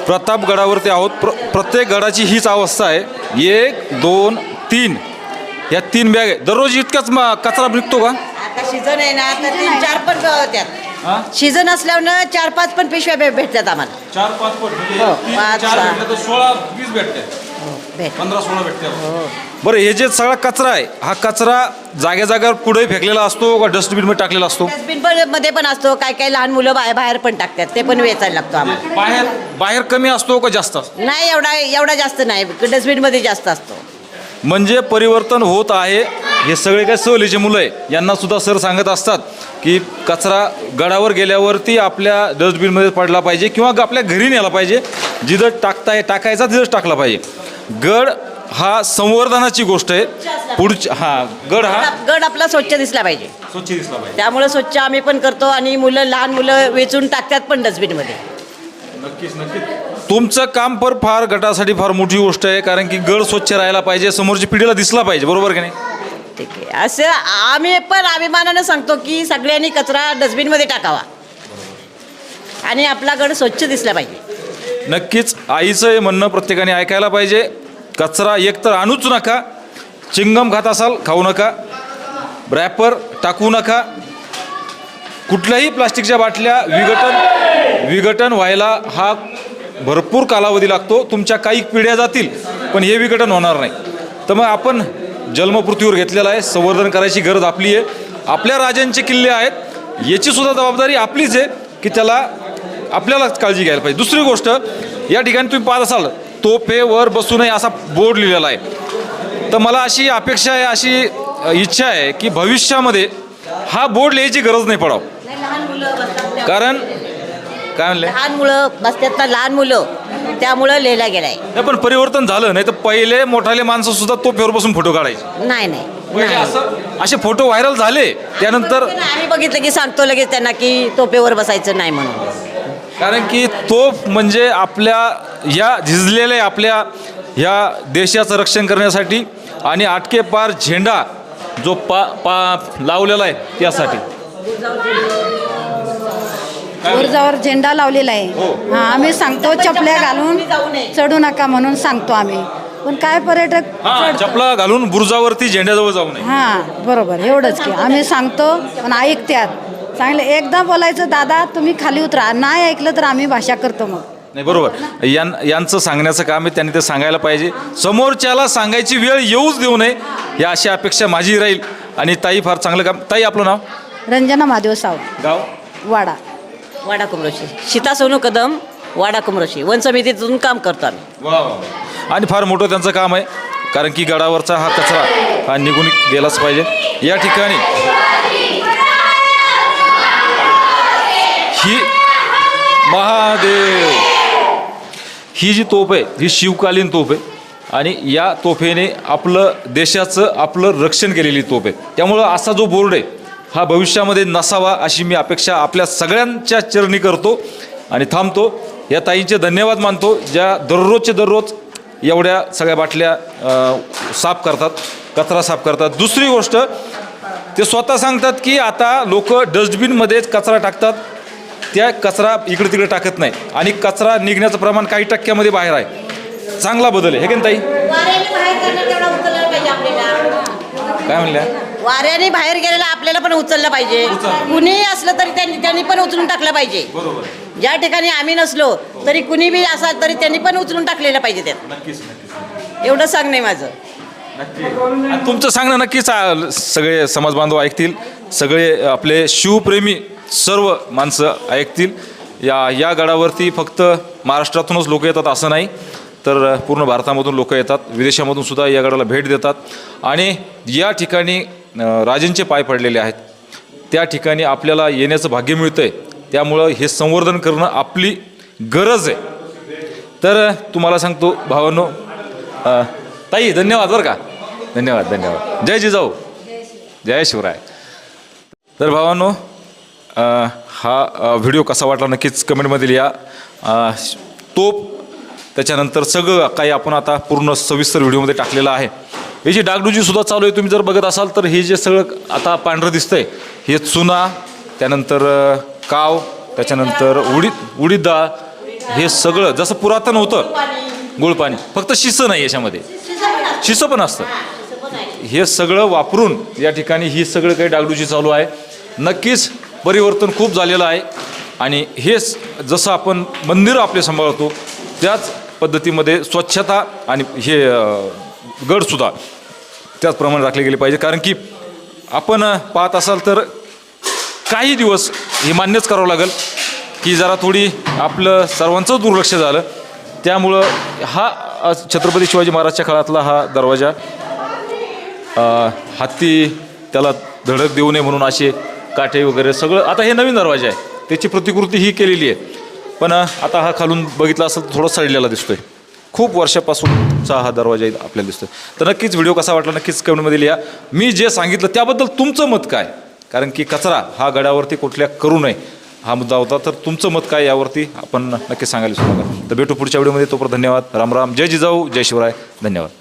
प्रतापगडावरती आहोत. प्रत्येक गडाची हीच अवस्था आहे. 1 2 3 या 3 बॅग आहे. दररोज इतकाच कचरा निघतो का? आता सीझन आहे ना, आता 3-4 पण त्यात सीझन असल्यावर 4-5 पण पिशव्या भेटतात आम्हाला. 4-5 पट हो, 5-6 तर 16-20 भेटते. भेट 15-16 भेटते. बरं, हे जे सगळा कचरा आहे, हा कचरा जाग्या जाग्यावर कुठे फेकलेला असतो का डस्टबिनमध्ये टाकलेला असतो? डस्टबिन मध्ये पण असतो. काही लहान मुलं बाहेर पण टाकतात, ते पण वेचायला लागतो आम्हाला. बाहेर कमी असतो का जास्त असतो? नाही, एवढा जास्त नाही, डस्टबिन मध्ये जास्त असतो. म्हणजे परिवर्तन होत आहे. हे सगळे काय सहलीचे मुलं आहे, यांना सुद्धा सर सांगत असतात की कचरा गडावर गेल्यावरती आपल्या डस्टबिनमध्ये पडला पाहिजे किंवा आपल्या घरी नेला पाहिजे. जिथं टाकायचा तिथंच टाकला पाहिजे. गड हा संवर्धनाची गोष्ट आहे. पुढच्या गड आपला स्वच्छ दिसला पाहिजे. स्वच्छ दिसला पाहिजे. त्यामुळे स्वच्छ आम्ही पण करतो आणि लहान मुलं वेचून टाकतात पण डस्टबिन मध्ये. नक्कीच तुमचं काम फार गटासाठी फार मोठी गोष्ट आहे. कारण की गड स्वच्छ राहायला पाहिजे, समोरच्या पिढीला दिसला पाहिजे. बरोबर की नाही? ठीक आहे. असं आम्ही पण अभिमानानं सांगतो की सगळ्यांनी कचरा डस्टबिनमध्ये टाकावा आणि आपला गड स्वच्छ दिसला पाहिजे. नक्कीच आईचं हे म्हणणं प्रत्येकाने ऐकायला पाहिजे. कचरा एकतर आणूच नका, चिंगम खात असाल खाऊ नका, रॅपर टाकू नका, कुठल्याही प्लास्टिकच्या बाटल्या विघटन व्हायला हा भरपूर कालावधी लागतो. तुमच्या काही पिढ्या जातील पण हे विघटन होणार नाही. तर मग आपण जन्मपृथ्वीवर घेतलेला आहे, संवर्धन करायची गरज आपली आहे. आपल्या राजांचे किल्ले आहेत, याची सुद्धा जबाबदारी आपलीच आहे की त्याला आपल्यालाच काळजी घ्यायला पाहिजे. दुसरी गोष्ट, या ठिकाणी तुम्ही पाहत असाल तोफेवर बसू नये असा बोर्ड लिहिलेला आहे. तर मला अशी अपेक्षा आहे, अशी इच्छा आहे की भविष्यामध्ये हा बोर्ड लिहायची गरज नाही पडावं. कारण काय म्हणले, लहान मुलं त्यामुळं लिहिला गेलाय. नाही पण परिवर्तन झालं. नाही तर पहिले मोठाले माणसं सुद्धा तोफेवर बसून फोटो काढायचे. नाही असे फोटो व्हायरल झाले. त्यानंतर आम्ही बघितलं की सांगतो लगेच त्यांना की तोफेवर बसायचं नाही म्हणून. कारण की तोफ म्हणजे आपल्या या झिजलेल्या आपल्या ह्या देशाचं रक्षण करण्यासाठी आणि आटके पार झेंडा जो लावलेला आहे त्यासाठी. बुरुजावर झेंडा लावलेला आहे. हां, आम्ही सांगतो चपल्या घालून चढू नका म्हणून सांगतो आम्ही. पण काय पर्यटक चपला घालून बुरुजावरती झेंड्याजवळ जाऊ नये. हां, बरोबर, एवढंच की आम्ही सांगतो पण ऐकत्यात. चांगलं एकदा बोलायचं, दादा तुम्ही खाली उतरा, नाही ऐकलं तर आम्ही भाषा करतो. मग नाही, बरोबर, यांचं सांगण्याचं काम आहे. त्यांनी ते सांगायला पाहिजे. समोरच्याला सांगायची वेळ येऊच देऊ नये, या अशी अपेक्षा माझी राहील. आणि ताई फार चांगलं काम. ताई, आपलं नाव? रंजना महादेव सावंत, गाव? वाडा कुमरोशी. सीता सोनू कदम, वाडा कुमरोशी. वन समितीतून काम करतो आम्ही. वा. आणि फार मोठं त्यांचं काम आहे. कारण की गडावरचा हा कचरा हा निघून गेलाच पाहिजे. या ठिकाणी ही महादेव ही जी तोफ आहे ही शिवकालीन तोफ आहे. आणि या तोफेने आपलं देशाचं आपलं रक्षण केलेली तोफ आहे. त्यामुळं असा जो बोर्ड आहे हा भविष्यामध्ये नसावा अशी मी अपेक्षा आपल्या सगळ्यांच्या चरणी करतो आणि थांबतो. या ताईंचे धन्यवाद मानतो, ज्या दररोजचे दररोज एवढ्या सगळ्या बाटल्या साफ करतात, कचरा साफ करतात. दुसरी गोष्ट, ते स्वतः सांगतात की आता लोक डस्टबिनमध्येच कचरा टाकतात, त्या कचरा इकडे तिकडे टाकत नाही आणि कचरा निघण्याचं प्रमाण काही टक्क्यामध्ये बाहेर आहे. चांगला बदल आहे हे की ताई? काय म्हणल्या? वाऱ्याने बाहेर गेलेला आपल्याला पण उचललं पाहिजे. कुणीही असलं तरी त्यांनी पण उचलून टाकलं पाहिजे. बरोबर. ज्या ठिकाणी आम्ही नसलो तरी कुणी बी असाल तरी त्यांनी पण उचलून टाकलेलं पाहिजे त्यात. नक्कीच. एवढं सांगणे माझं. तुमचं सांगणं नक्कीच सगळे समाज बांधव ऐकतील. सगळे आपले शिवप्रेमी सर्व माणसं ऐकतील. या गडावरती फक्त महाराष्ट्रातूनच लोक येतात असं नाही, तर पूर्ण भारतामधून लोक येतात, विदेशामधून सुद्धा या गडाला भेट देतात. आणि या ठिकाणी राजांचे पाय पडलेले आहेत, त्या ठिकाणी आपल्याला येण्याचं भाग्य मिळतं आहे. त्यामुळं हे संवर्धन करणं आपली गरज आहे. तर तुम्हाला सांगतो भावांनो, ताई धन्यवाद बरं का. धन्यवाद. जय जिजाऊ, जय शिवराय. तर भावांनो, हा व्हिडिओ कसा वाटला नक्कीच कमेंटमध्ये लिहा. तोप त्याच्यानंतर सगळं काही आपण आता पूर्ण सविस्तर व्हिडिओमध्ये टाकलेलं आहे. याची डागडुजीसुद्धा चालू आहे. तुम्ही जर बघत असाल तर हे जे सगळं आता पांढरं दिसतं आहे हे चुना, त्यानंतर काव, त्याच्यानंतर उडीद डाळ, हे सगळं जसं पुरातन होतं गुळपाणी, फक्त शिसं नाही याच्यामध्ये, शिसं पण असतं. हे सगळं वापरून या ठिकाणी ही सगळं काही डागडुजी चालू आहे. नक्कीच परिवर्तन खूप झालेलं आहे आणि हेच जसं आपण मंदिरं आपले सांभाळतो त्याच पद्धतीमध्ये स्वच्छता आणि हे गडसुद्धा त्याचप्रमाणे राखले गेले पाहिजे. कारण की आपण पाहत असाल तर काही दिवस हे मान्यच करावं लागेल की जरा थोडी आपलं सर्वांचं दुर्लक्ष झालं. त्यामुळं हा छत्रपती शिवाजी महाराजच्या काळातला हा दरवाजा हत्ती त्याला धडक देऊ नये म्हणून असे काठे वगैरे सगळं, आता हे नवीन दरवाजा आहे त्याची प्रतिकृती ही केलेली आहे. पण आता हा खालून बघितला असेल तर थोडा सडलेला दिसतोय. खूप वर्षापासूनचा हा दरवाजा आपल्याला दिसतोय. तर नक्कीच व्हिडिओ कसा वाटला नक्कीच कमेंटमध्ये लिहा. मी जे सांगितलं त्याबद्दल तुमचं मत काय, कारण की कचरा हा गडावरती कुठल्या करू नये हा मुद्दा होता. तर तुमचं मत काय यावरती आपण नक्की सांगायला विसरू नका. तर भेटू पुढच्या व्हिडिओमध्ये. तोपर्यंत धन्यवाद. राम राम. जय जिजाऊ, जय शिवराय. धन्यवाद.